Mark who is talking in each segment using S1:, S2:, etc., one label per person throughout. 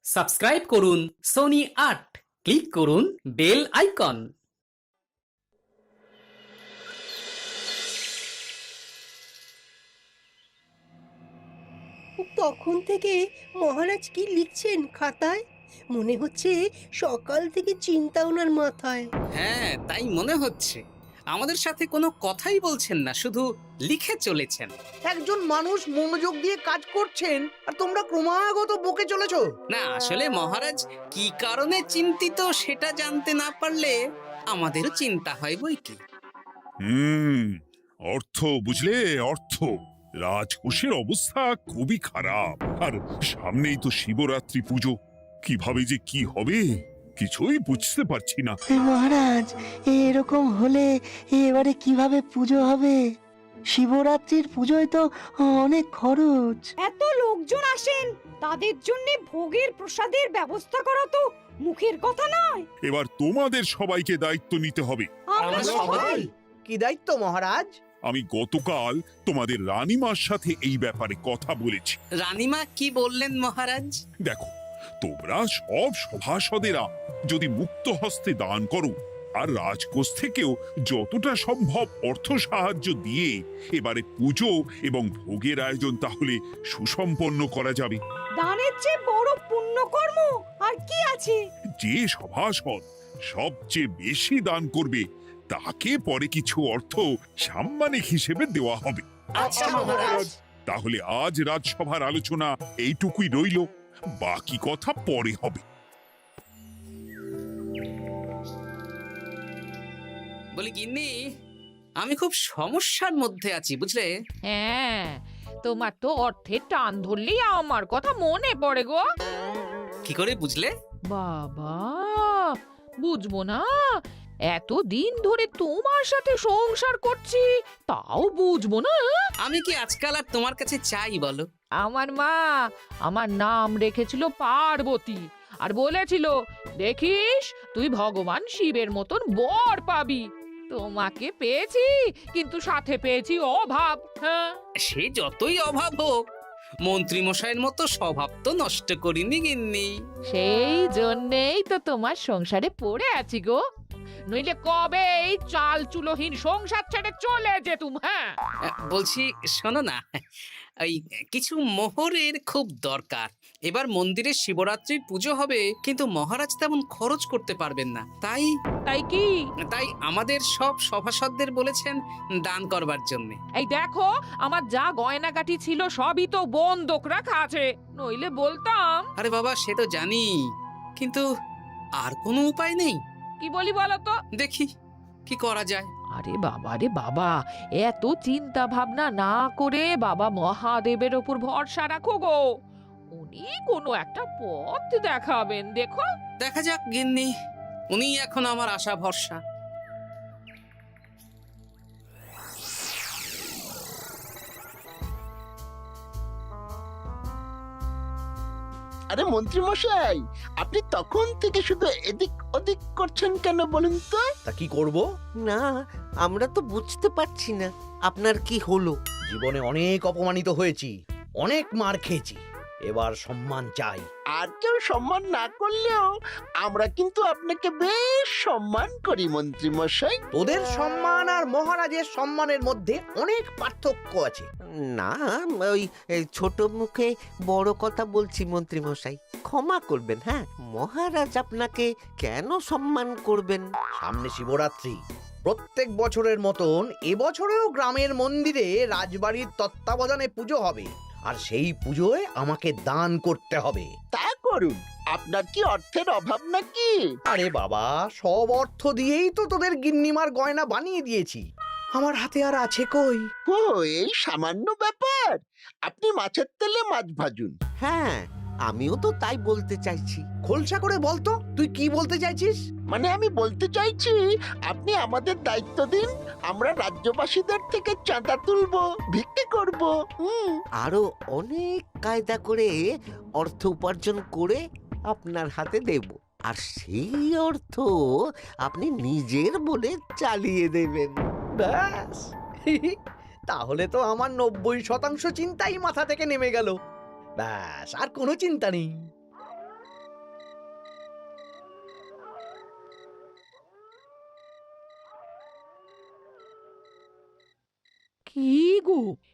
S1: Subscribe করুন Sony আট, click করুন বেল আইকন।
S2: তখন থেকে মহারাজ কি লিখছেন খাতায়? মনে হচ্ছে সকাল থেকে চিন্তা ওনার মাথায়।
S1: হ্যাঁ, তাই মনে হচ্ছে। আমাদের সাথে কোনো কথাই বলছেন না, শুধু লিখে চলেছেন।
S3: একজন মানুষ মনোযোগ দিয়ে কাজ করছেন আর তোমরা ক্রমাগত বকে চলেছো।
S1: না, আসলে মহারাজ কি কারণে চিন্তিত সেটা জানতে না পারলে আমাদেরও চিন্তা হয় বই কি।
S4: হুম অর্থ বুঝলে, অর্থ। রাজকোষের অবস্থা খুবই খারাপ, আর সামনেই তো শিবরাত্রি পুজো। কিভাবে যে কি হবে কিছুই বুঝতে পারছি না।
S5: মহারাজ, এরকম হলে এবারে কিভাবে পুজো হবে? শিবরাত্রির পুজোয় তো অনেক খরচ।
S6: এত লোকজন আসেন, তাদের জন্য ভোগের প্রসাদের ব্যবস্থা করা তো মুখের কথা নয়।
S4: এবার তোমাদের সবাইকে দায়িত্ব নিতে হবে।
S6: আমরা সবাই
S3: কি দায়িত্ব মহারাজ?
S4: আমি গতকাল তোমাদের রানীমার সাথে এই ব্যাপারে কথা বলেছি।
S1: রানীমা কি বললেন মহারাজ?
S4: দেখো, তোমরা সব সভাসদেরা যদি মুক্ত হস্তে দান করো আর রাজকোষ থেকেও যতটা সম্ভব অর্থ সাহায্য দিয়ে এবারে পুজো এবং ভোগের আয়োজন তাহলে সুসম্পন্ন করা যাবে।
S6: দানের চেয়ে বড় পুণ্যকর্ম আর কি আছে?
S4: যে সভাসদ সবচেয়ে বেশি দান করবে তাকে পরে কিছু অর্থ সাম্মানিক হিসেবে দেওয়া হবে।
S6: আচ্ছা মহারাজ।
S4: তাহলে আজ রাজসভার আলোচনা এইটুকুই রইল, বাকি কথা পরে হবে।
S1: বলি গিন্নি, আমি খুব সমস্যার মধ্যে আছি বুঝলে।
S7: হ্যাঁ, তোমার তো অর্থের টান ধরলেই আমার কথা মনে পড়ে গো।
S1: কি করে বুঝলে?
S7: বাবা, বুঝবো না? এতদিন ধরে তোমার সাথে সংসার করছি, তাও বুঝবো না?
S1: আমি কি আজকাল আর তোমার কাছে চাই বলো?
S7: আমার মা আমার নাম রেখেছিল পার্বতী, আর বলেছিল দেখিস তুই ভগবান শিবের মতন বর পাবি। তোমাকে পেয়েছি, কিন্তু সাথে পেয়েছি অভাব। হ্যাঁ,
S1: সে যতই অভাব হোক, মন্ত্রী মশাইয়ের মতো স্বভাব তো নষ্ট করিনি গিন্নি।
S7: সেই জন্যেই তো তোমার সংসারে পড়ে আছি গো, নইলে কবে এই চাল চুলোহীন সংসার ছেড়ে চলে যেতুম। হ্যাঁ,
S1: বলছি শোনো না, এই কিছু মোহরের খুব দরকার। এবার মন্দিরে শিবরাত্রির পুজো হবে, কিন্তু মহারাজ তেমন খরচ করতে পারবেন না। তাই
S7: তাই কি?
S1: তাই আমাদের সব সভাসদদের বলেছেন দান করবার জন্য।
S7: এই দেখো, আমার যা গয়নাগাটি ছিল সবই তো বন্ধক রাখা আছে, নইলে বলতাম।
S1: আরে বাবা, সে তো জানি, কিন্তু আর কোনো উপায় নেই।
S7: কি বলি বলো তো?
S1: দেখি কি করা যায়।
S7: আরে বাবা রে বাবা, এত চিন্তা ভাবনা না করে বাবা মহাদেবের ওপর ভরসা রাখো গো, উনি কোনো একটা পথ দেখাবেন। দেখো,
S1: দেখা যাক গিন্নি, উনি এখন আমার আশা ভরসা।
S8: আরে মন্ত্রী মশাই, আপনি তখন থেকে শুধু এদিক ওদিক করছেন কেন বলুন তো?
S3: তা কি করব?
S2: না, আমরা তো বুঝতে পারছি না আপনার কি হলো।
S3: জীবনে অনেক অপমানিত হয়েছি, অনেক মার খেয়েছি, এবার সম্মান চাই।
S8: আর কেউ সম্মান না করলেও আমরা কিন্তু আপনাকে বেশ সম্মান করি মন্ত্রী মশাই।
S3: তোদের সম্মান আর মহারাজের সম্মানের মধ্যে অনেক পার্থক্য আছে।
S2: না, ওই ছোট মুখে বড় কথা বলছি মন্ত্রী মশাই, ক্ষমা করবেন। হ্যাঁ, মহারাজ আপনাকে কেন সম্মান করবেন?
S3: সামনে শিবরাত্রি, প্রত্যেক বছরের মতন এবছরেও গ্রামের মন্দিরে রাজবাড়ির তত্ত্বাবধানে পুজো হবে, আর সেই পুজোয় আমাকে দান করতে হবে।
S8: তা করুন, আপনার কি অর্থের অভাব নাকি?
S3: আরে বাবা, সব অর্থ দিয়েই তো তোদের গিন্নিমার গয়না বানিয়ে দিয়েছি, আমার হাতে আর আছে কই?
S8: ও, এই সামান্য ব্যাপার। আপনি মাছের তেলে মাছ ভাজুন।
S2: হ্যাঁ, আমিও তো তাই বলতে চাইছি।
S3: খোলসা করে বলতো তুই কি বলতে চাইছিস?
S8: মানে আমি বলতে চাইছি, আপনি আমাদের দায়িত্ব দিন, আমরা রাজ্যবাসীদের থেকে চাঁদা তুলবো, ভিক্ষে করব।
S2: আরো অনেক কায়দা করে অর্থ উপার্জন করে আপনার হাতে দেব, আর সেই অর্থ আপনি নিজের বলে চালিয়ে দেবেন।
S3: ব্যাস, তাহলে তো আমার 90% চিন্তাই মাথা থেকে নেমে গেল। ব্যাস, আর কোনো চিন্তা নেই।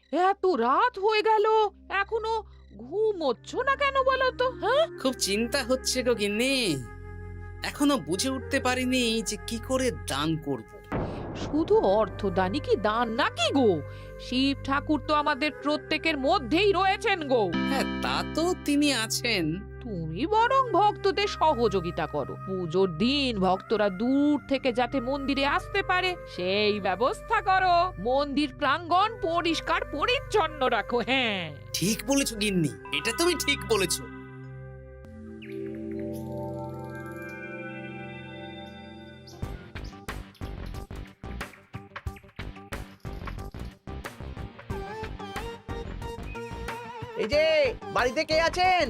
S7: এত রাত হয়ে গেল, এখনো ঘুমোচ্ছ না কেন বলো তো? হ্যাঁ,
S1: খুব চিন্তা হচ্ছে গো গিন্নি, এখনো বুঝে উঠতে পারিনি যে কি করে দান করব।
S7: শুধু অর্থদানই কি দান নাকি গো? শিব ঠাকুর তো আমাদের প্রত্যেকের মধ্যেই রয়েছেন গো।
S1: হ্যাঁ, তা তো তিনি আছেন।
S7: তুমি বরং ভক্তদের সহযোগিতা করো। পুজোর দিন ভক্তরা দূর থেকে যাতে মন্দিরে আসতে পারে সেই ব্যবস্থা করো। মন্দির প্রাঙ্গণ পরিষ্কার পরিচ্ছন্ন রাখো। হ্যাঁ,
S1: ঠিক বলেছো গিন্নি, এটা তুমি ঠিক বলেছো।
S3: এই যে বাড়িতে কে আছেন?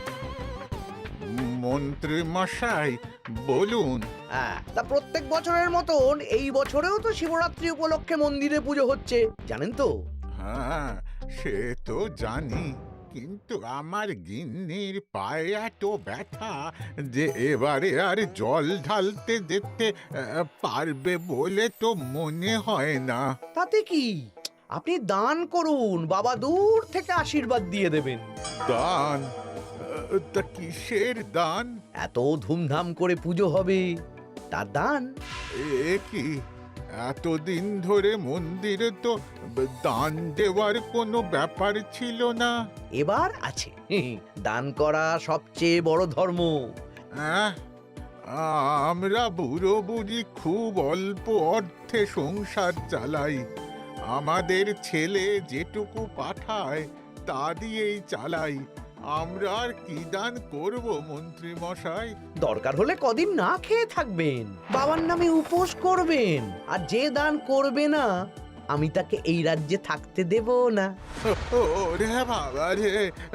S9: মন্ত্রী মশাই বলুন।
S3: হ্যাঁ, তা প্রত্যেক বছরের মতন এই বছরেও তো শিবরাত্রি উপলক্ষে মন্দিরে পুজো হচ্ছে, জানেন তো?
S9: হ্যাঁ, সে তো জানি, কিন্তু আমার গিন্নির পায়ে এত ব্যথা যে এবারে আর জল ঢালতে যেতে পারবে বলে তো মনে হয় না।
S3: তাতে কি, আপনি দান করুন, বাবা দূর থেকে আশীর্বাদ দিয়ে দেবেন।
S9: দান? তা কিসের দান?
S3: এত ধুমধাম করে পুজো হবে, তার দান।
S9: এ কি, এতদিন ধরে মন্দিরে তো দান দেওয়ার কোনো ব্যাপার ছিল না।
S3: এবার আছে। দান করা সবচেয়ে বড় ধর্ম।
S9: আহ, আমরা বুড়ো বুড়ি খুব অল্প অর্থে সংসার চালাই। আমাদের ছেলে যেটুকু পাঠায় তা দিয়েই চালাই। আমরা আর কি দান করব মন্ত্রী মশাই?
S3: দরকার হলে কদিন না খেয়ে থাকবেন, বাবার নামে উপোস করবেন, আর যে দান করবে না আমি তাকে এই রাজ্যে থাকতে দেব না।
S9: ওরে বাবা রে,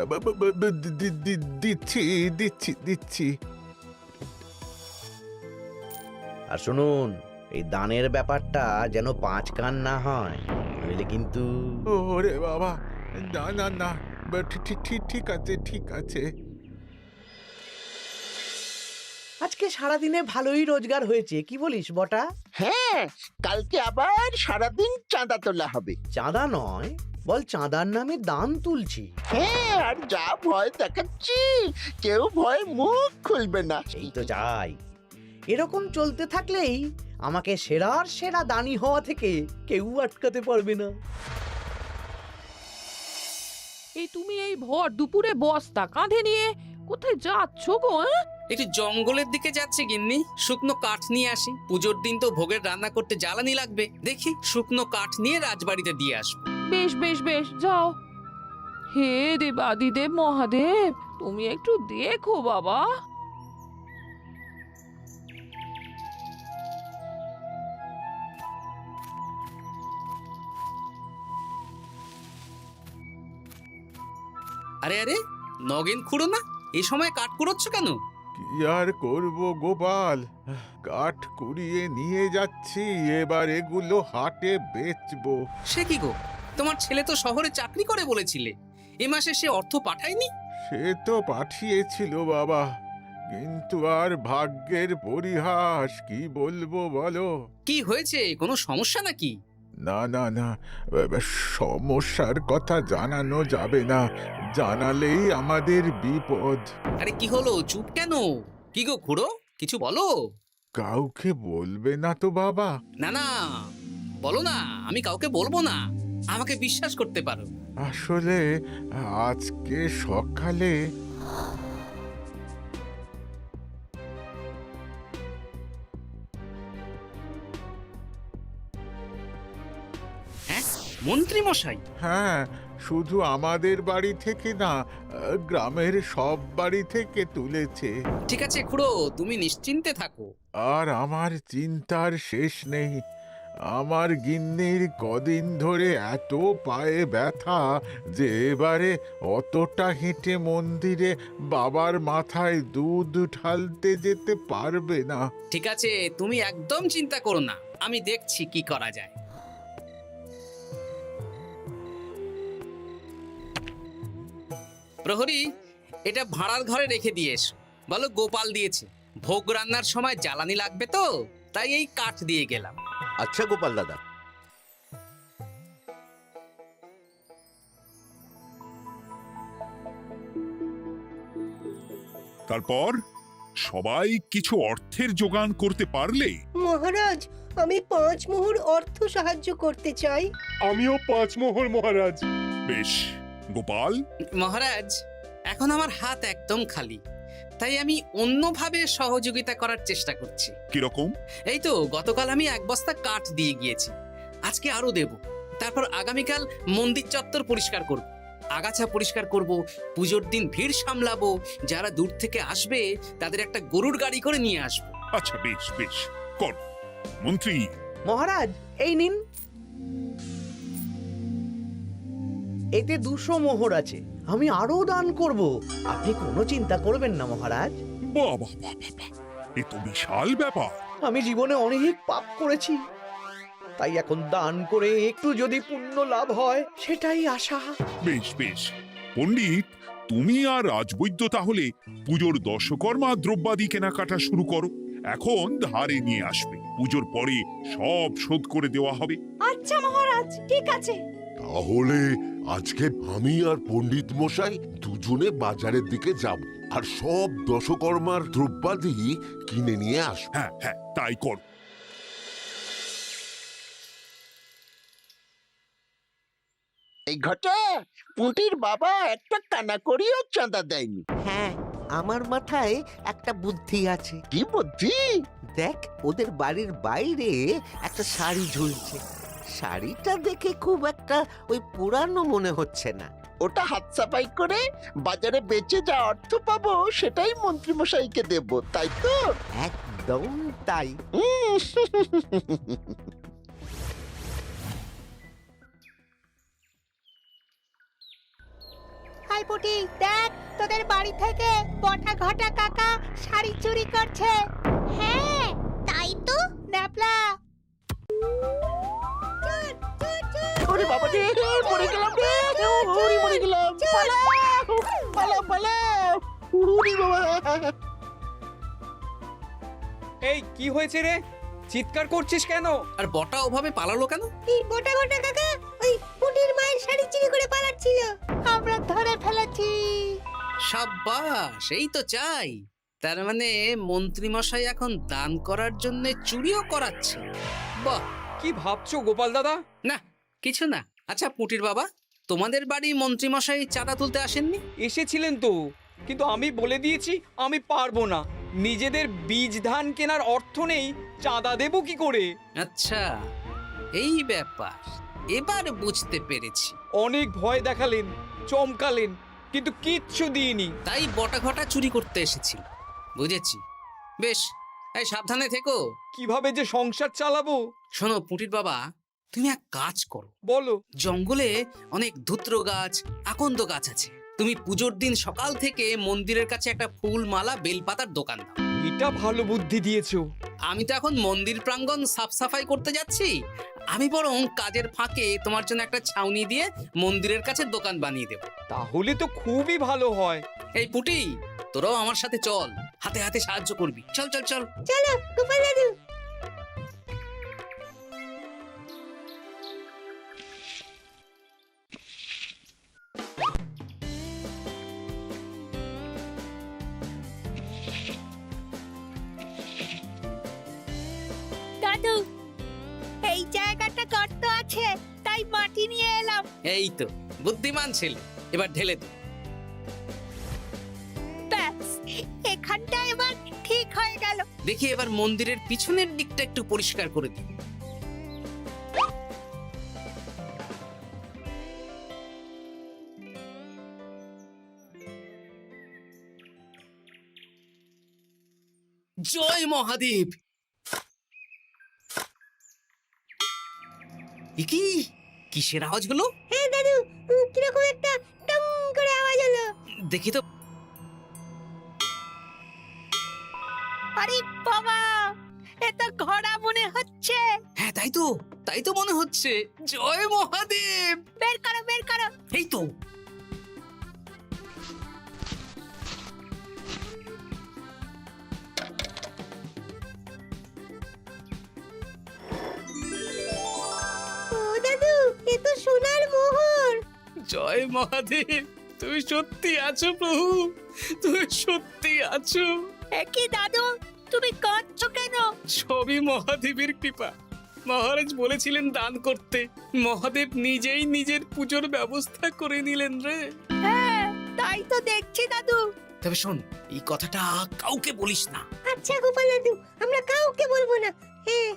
S9: দিচ্ছি দিচ্ছি দিচ্ছি।
S3: আর শুনুন, এই দানের ব্যাপারটা যেন পাঁচ কান না হয়, নইলে কিন্তু।
S9: ওরে বাবা, না না না, ঠিক আছে ঠিক আছে।
S3: আজকে সারাদিনে ভালোই রোজগার হয়েছে, কি বলিস বটা?
S8: হ্যাঁ, কালকে আবার সারাদিন চাঁদা তোলা হবে।
S3: চাঁদা নয়, বল চাঁদার নামে দান তুলছি।
S8: হ্যাঁ, আর যা ভয় দেখাচ্ছি, কেউ ভয় মুখ খুলবে না।
S3: এই তো যাই, এরকম চলতে থাকলেই আমাকে সেরার সেরা দানি হওয়া থেকে কেউ আটকাতে পারবে না।
S7: এই তুমি এই ভর দুপুরে বস্তা কাঁধে নিয়ে কোথায় যাচ্ছ গো?
S1: একটু জঙ্গলের দিকে যাচ্ছে গিন্নি, শুকনো কাঠ নিয়ে আসি। পুজোর দিন তো ভোগের রান্না করতে জ্বালানি লাগবে, দেখি শুকনো কাঠ নিয়ে রাজবাড়িতে দিয়ে আসবো।
S7: বেশ বেশ বেশ, যাও। হে দেবাদিদেব মহাদেব, তুমি একটু দেখো বাবা।
S1: আরে আরে, নগেন খুঁড়ো না, এই সময় কাঠ কুড়োচ্ছ কেন?
S9: কি আর করব গোপাল, কাঠ কুড়িয়ে নিয়ে যাচ্ছি, এবার এগুলো হাটে বেচবো।
S1: সে কি গো, তোমার ছেলে তো শহরে চাকরি করে বলেছিলে, এ মাসে সে অর্থ পাঠায়নি?
S9: সে তো পাঠিয়েছিল বাবা, কিন্তু আর ভাগ্যের পরিহাস, কি বলবো বলো।
S1: কি হয়েছে, কোনো সমস্যা নাকি?
S9: না না না, সমস্যার কথা জানানো যাবে না, জানালেই আমাদের বিপদ।
S1: আরে কি হলো, চুপ কেন? কি গো খুড়ো, কিছু বলো।
S9: কাউকে বলবে না তো বাবা?
S1: না না, বলো না, আমি কাউকে বলবো না, আমাকে বিশ্বাস করতে পারো।
S9: আসলে আজকে সকালে
S1: হ্যাঁ, মন্ত্রী মশাই?
S9: হ্যাঁ, শুধু আমাদের বাড়ি থেকে না, গ্রামের সব বাড়ি থেকে তুলেছে।
S1: ঠিক আছে খুড়ো, তুমি নিশ্চিন্তে থাকো।
S9: আর আমার চিন্তার শেষ নেই। আমার গিন্নির কদিন ধরে এত পায়ে ব্যথা যে এবারে অতটা হেঁটে মন্দিরে বাবার মাথায় দুধ ঢালতে যেতে পারবে না।
S1: ঠিক আছে, তুমি একদম চিন্তা করো না, আমি দেখছি কি করা যায়। প্রহরী, এটা ভাড়ার ঘরে রেখে দিয়ে এসো। বলো গোপাল দিয়েছে, ভোগ রান্নার সময় জ্বালানি লাগবে তো, তাই এই কাঠ দিয়ে গেলাম।
S2: আচ্ছা গোপাল দাদা।
S4: তারপর সবাই কিছু অর্থের যোগান করতে পারলে
S5: মহারাজ আমি 5 মোহর অর্থ সাহায্য করতে চাই।
S10: আমিও 5 মোহর মহারাজ।
S4: বেশ। গোপাল,
S1: মহারাজ এখন আমার হাত একদম খালি, তাই আমি অন্যভাবে সহযোগিতা করার চেষ্টা করছি।
S4: কিরকম?
S1: এই তো গতকাল আমি 1 বস্তা কাঠ দিয়ে গিয়েছি, আজকে আরো দেব। তারপর আগামীকাল মন্দির চত্বর পরিষ্কার করব, আগাছা পরিষ্কার করব, পুজোর দিন ভিড় সামলাবো, যারা দূর থেকে আসবে তাদের একটা গরুর গাড়ি করে নিয়ে আসবো।
S4: আচ্ছা, বেশ বেশ, কর। মন্ত্রী,
S3: মহারাজ এই নিন, এতে 200 মোহর আছে। আমি আরো দান করব, আপনি কোনো চিন্তা করবেন না মহারাজ।
S4: বাহ বাহ বাহ বাহ বাহ, এ তো বিশাল ব্যাপার।
S3: আমি জীবনে অনেক পাপ করেছি, তাই এখন দান করে একটু যদি পুণ্য লাভ হয় সেটাই আশা।
S4: বেশ বেশ। পণ্ডিত, তুমি আর রাজবৈদ্য তাহলে পুজোর দশকর্মা দ্রব্যাদি কেনাকাটা শুরু করো। এখন ধারে নিয়ে আসবে, পুজোর পরে সব শোধ করে দেওয়া হবে।
S6: আচ্ছা মহারাজ, ঠিক আছে।
S11: তাহলে আজকে আমি আর পণ্ডিত মশাই দুজনে বাজারের দিকে যাব আর সব দশকর্মার দ্রব্যাদি কিনে নিয়ে আসবো।
S4: হ্যাঁ হ্যাঁ, তাই কর।
S8: এই ঘটা পুঁটির বাবা একটা কানা করিও চাঁদা দেয়নি।
S2: হ্যাঁ, আমার মাথায় একটা বুদ্ধি আছে।
S8: কি বুদ্ধি?
S2: দেখ, ওদের বাড়ির বাইরে একটা শাড়ি ঝুলছে। শাড়িটা দেখে খুব একটা ওই পুরানো মনে হচ্ছে না।
S8: ওটা হাত সাফাই করে বাজারে বেচে যা অর্থ পাবো সেটাই মন্ত্রী মশাইকে দেব, তাই তো?
S2: একদম তাই।
S5: হাই পুটি, দেখ তোদের বাড়ি থেকে বটা ঘটা কাকা শাড়ি চুরি করছে। হ্যাঁ তাই তো। ন্যাপলা,
S8: ওরে বাবা রে, মরে গেলাম রে, ওরে মরে গেলাম। পালাও পালাও পালাও, ওরে বাবা।
S10: এই কি হয়েছে রে? চিৎকার করছিস কেন?
S1: আর বটা ওভাবে পালালো কেন?
S5: এই বটা ঘটা কাকা ওই পুটির মায়ের শাড়ি চুরি করে পালাচ্ছিল, আমরা ধরে ফেলেছি।
S1: সাব্বাস, এই তো চাই। তার মানে মন্ত্রী মশাই এখন দান করার জন্য চুরিও করাচ্ছে। বাহ,
S10: কি ভাবছো গোপাল দাদা?
S1: না কিছু না। আচ্ছা পুটির বাবা, তোমাদের বাড়ি মন্ত্রী মশাই চাঁদা তুলতে আসেননি?
S10: এসেছিলেন তো, কিন্তু আমি বলে দিয়েছি আমি পারবো না। নিজেদের বীজ ধান কেনার অর্থ নেই, চাঁদা দেবো কি করে?
S1: আচ্ছা, এই ব্যাপার, এবার বুঝতে পেরেছি।
S10: অনেক ভয় দেখালেন, চমকালেন, কিন্তু কিচ্ছু দিইনি।
S1: তাই বটা ঘটা চুরি করতে এসেছিল, বুঝেছি। বেশ, এই সাবধানে থেকো।
S10: কিভাবে যে সংসার চালাবো?
S1: শোনো পুটির বাবা, তুমি এক কাজ করো।
S10: বলো।
S1: জঙ্গলে অনেক ধুত্র গাছ, আকন্দ গাছ আছে। তুমি পুজোর দিন সকাল থেকে মন্দিরের কাছে একটা ফুল মালা বেলপাতার দোকান দাও।
S10: এটা ভালো বুদ্ধি দিয়েছো।
S1: আমি তো এখন মন্দির প্রাঙ্গণ সাফ সাফাই করতে যাচ্ছি, আমি বরং কাজের ফাঁকে তোমার জন্য একটা ছাউনি দিয়ে মন্দিরের কাছে দোকান বানিয়ে দেব।
S10: তাহলে তো খুবই ভালো হয়।
S1: এই পুটি, তোরাও আমার সাথে চল, হাতে হাতে সাহায্য করবি। চল চল চল।
S5: চলো গোপাল দাদু। দাদু, এই জায়গাটা গর্ত আছে, তাই মাটি নিয়ে এলাম।
S1: এই তো বুদ্ধিমান ছেলে, এবার ঢেলে দে।
S5: ব্যাস, এখানটা এবার ঠিক হয়ে গেল।
S1: দেখি এবার মন্দিরের পিছনের দিকটা একটু পরিষ্কার করে দিই। জয় মহাদেব। এ কি, কিসের আওয়াজ হলো?
S5: হ্যাঁ দাদু, কিরকম একটা টং করে আওয়াজ হলো।
S1: দেখি তো।
S5: আরে বাবা, এটা ঘোড়া মনে হচ্ছে।
S1: হ্যাঁ তাই তো মনে হচ্ছে। জয় মহাদেব।
S5: বের করো বের করো।
S1: এই তো।
S5: ও দাদু, এ তো সোনার মোহর।
S1: জয় মহাদেব, তুমি সত্যি আছো প্রভু, তুমি সত্যি আছো?
S6: কি দাদু, তুমি কাঁদছো কেন?
S1: সবই মহাদেবের কৃপা। মহারাজ বলেছিলেন দান করতে, মহাদেব নিজেই নিজের পুজোর ব্যবস্থা করে নিলেন রে।
S6: হ্যাঁ, তাই তো দেখছি দাদু।
S1: তবে শোন, এই কথাটা কাউকে বলিস না।
S6: আচ্ছা গোপাল দাদু, আমরা কাউকে বলবো না। হ্যাঁ।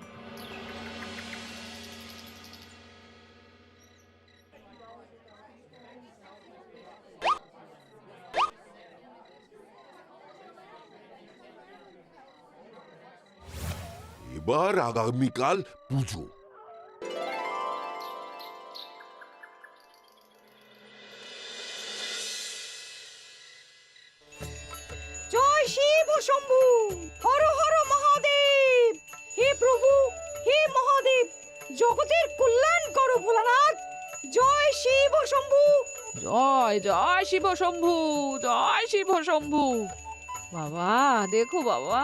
S11: এবার আগামীকাল পুজো।
S6: জয় শিব শম্ভু, হর হর মহাদেব। হে প্রভু, হে মহাদেব, জগতের কল্যাণ করো ভোলানাথ। জয় শিব শম্ভু।
S7: জয় জয় শিব শম্ভু, জয় শিব শম্ভু। বাবা দেখো বাবা,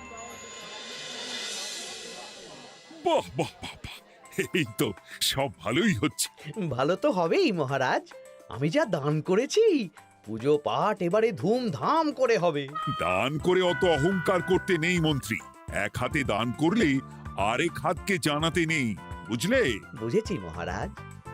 S4: বাহ বাহ বাহ বাহ, এই তো সব ভালোই হচ্ছে।
S3: ভালো তো হবেই মহারাজ। আমি যা দান করেছি, পুজো পাঠ এবারে ধুমধাম করে হবে।
S4: দান করে অত অহংকার করতে নেই মন্ত্রী। এক হাতে দান করলে আরেক হাতকে জানাতে নেই, বুঝলে?
S3: বুঝেছি মহারাজ।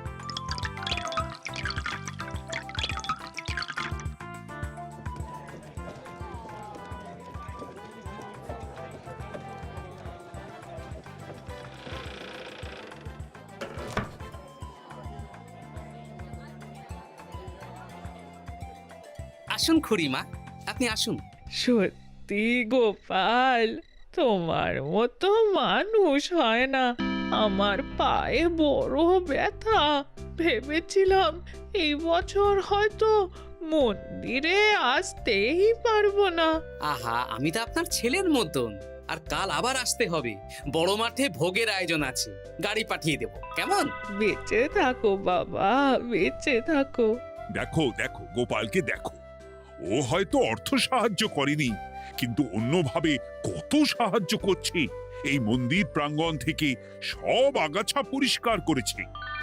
S1: আসুন খুড়িমা, আপনি আসুন।
S7: সত্যি গোপাল, তোমার মতো মানুষ হয় না। আমার পায়ে বড় ব্যথা, ভেবেছিলাম এই বছর হয়তো মন্দিরে আসতেই পারবো না।
S1: আহা, আমি তো আপনার ছেলের মতন। আর কাল আবার আসতে হবে, বড় মাঠে ভোগের আয়োজন আছে, গাড়ি পাঠিয়ে দেব, কেমন?
S7: বেঁচে থাকো বাবা, বেঁচে থাকো।
S4: দেখো দেখো গোপালকে দেখো, ও হয়তো অর্থ সাহায্য করেনি, কিন্তু অন্যভাবে কত সাহায্য করছে। এই মন্দির প্রাঙ্গণ থেকে সব আগাছা পরিষ্কার করেছে।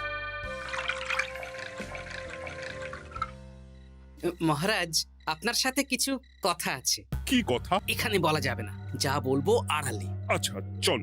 S1: মহারাজ, আপনার সাথে কিছু কথা আছে।
S4: কি কথা?
S1: এখানে বলা যাবে না, যা বলবো আড়ালে।
S4: আচ্ছা চল।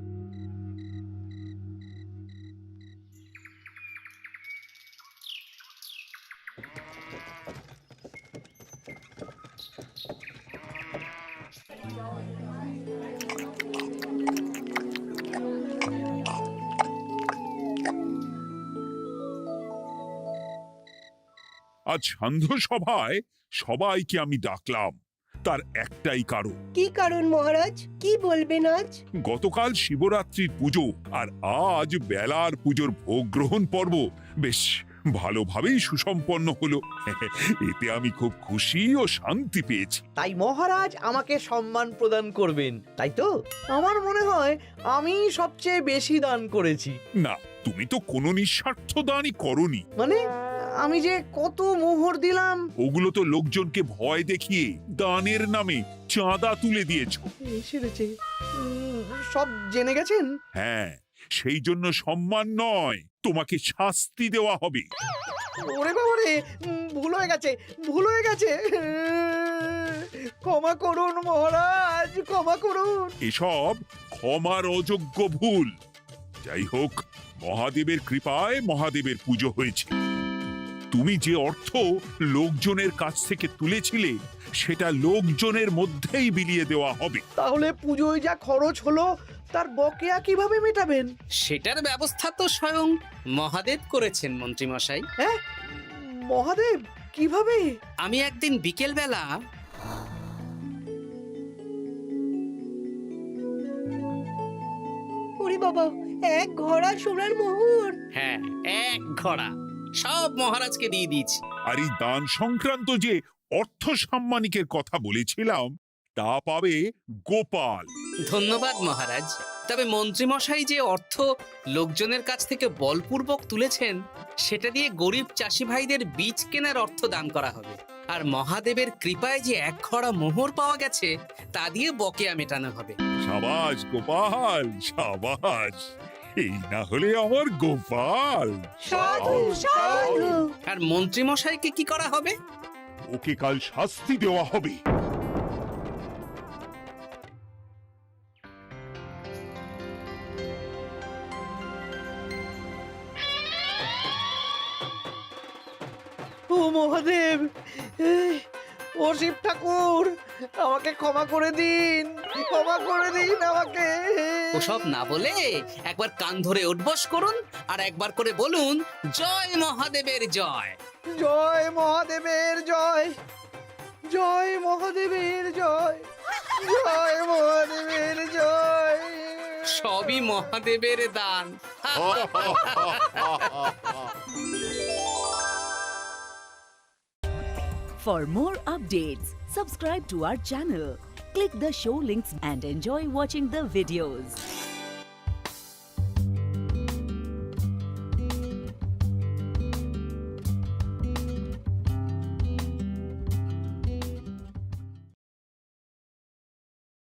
S4: আজ সান্ধ্য সভায় সবাইকে আমি ডাকলাম, তার একটাই কারণ।
S5: কি কারণ মহারাজ? কি বলবেন আজ?
S4: গতকাল শিবরাত্রির পুজো আর আজ বেলার পুজোর ভোগ গ্রহণ পর্ব বেশ ভালোভাবেই সুসম্পন্ন হলো। এতে আমি খুব খুশি ও শান্তি পেয়েছি।
S3: তাই মহারাজ আমাকে সম্মান প্রদান করবেন, তাই তো? আমার মনে হয় আমি সবচেয়ে বেশি দান করেছি।
S4: না, তুমি তো কোনো নিঃস্বার্থ দানই করনি।
S3: মানে আমি যে কত মোহর দিলাম।
S4: ওগুলো তো লোকজনকে ভয় দেখিয়ে দানের নামে চাঁদা তুলে দিয়েছো।
S3: সেরেছে, সব জেনে গেছেন।
S4: হ্যাঁ, সেই জন্য সম্মান নয়, তোমাকে শাস্তি দেওয়া হবে।
S3: ওরে বাবা রে, ভুল হয়ে গেছে, ভুল হয়ে গেছে। ক্ষমা করুন মহারাজ, ক্ষমা করুন।
S4: এসব ক্ষমার অযোগ্য ভুল। যাই হোক, মহাদেবের কৃপায় মহাদেবের পুজো হয়েছে। তুমি যে অর্থ লোকজনের কাছ থেকে তুলেছিলে সেটা লোকজনের মধ্যেই বিলিয়ে দেওয়া হবে।
S3: তাহলে পুজোয় যা খরচ হলো তার বকেয়া কিভাবে মেটাবেন?
S1: সেটার ব্যবস্থা তো স্বয়ং মহাদেব করেছেন মন্ত্রী মশাই।
S3: হ্যাঁ, মহাদেব কিভাবে?
S1: আমি একদিন বিকেল বেলা
S5: ওরে বাবা, এক ঘোড়া সোনার মোহর!
S1: হ্যাঁ, এক ঘোড়া সব মহারাজকে দিয়ে দিয়েছি।
S4: আর এই দান সংক্রান্ত যে অর্থ সাম্মানিকের কথা বলেছিলাম তা পাবে গোপাল।
S1: ধন্যবাদ মহারাজ। তবে মন্ত্রীমশাই যে অর্থ লোকজনের কাছ থেকে বলপূর্বক তুলেছেন সেটা দিয়ে গরিব চাষি ভাইদের বীজ কেনার অর্থ দান করা হবে। আর মহাদেবের কৃপায় যে এক ঘড়া মোহর পাওয়া গেছে তা দিয়ে বকেয়া মেটানো হবে।
S4: সাবাস গোপাল, সাবাস। এই না হলে আমার গোপাল।
S5: সাধু সাধু!
S1: আর মন্ত্রীমশাইকে কি করা হবে?
S4: ওকে কাল শাস্তি দেওয়া হবে।
S3: মহাদেব ও শিব ঠাকুর আমাকে ক্ষমা করে দিন আমাকে
S1: ওসব না বলে একবার কান ধরে উঠবস করুন আর একবার করে বলুন জয় মহাদেবের জয়।
S3: জয় মহাদেবের জয়, জয় মহাদেবের জয়, জয় মহাদেবের জয়।
S1: সবই মহাদেবের দান।
S12: For more updates, subscribe to our channel, click the show links and enjoy watching the videos.